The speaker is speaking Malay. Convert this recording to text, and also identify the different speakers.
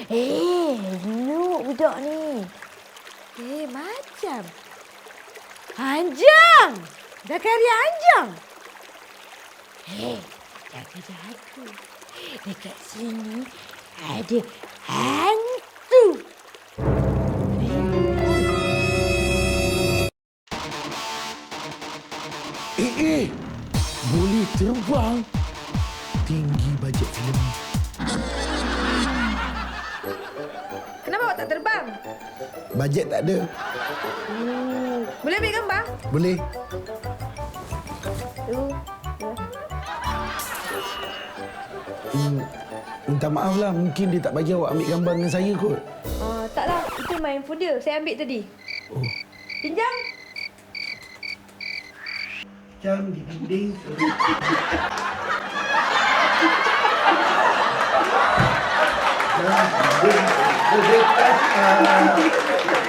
Speaker 1: Elok budak ni. Macam Anjang. Zakaria Anjang. Jaga-jaga. Dekat sini ada hantu.
Speaker 2: Boleh terbang. Tinggi bajet filem ni.
Speaker 3: Kenapa awak tak terbang?
Speaker 2: Bajet tak ada.
Speaker 3: Boleh ambil gambar?
Speaker 2: Boleh. Minta maaf lah. Mungkin dia tak bagi awak ambil gambar dengan saya kot.
Speaker 3: Taklah. Itu handphone dia. Saya ambil tadi.
Speaker 2: Oh.
Speaker 3: Pinjam.
Speaker 2: Jam di dinding. Jam di dinding.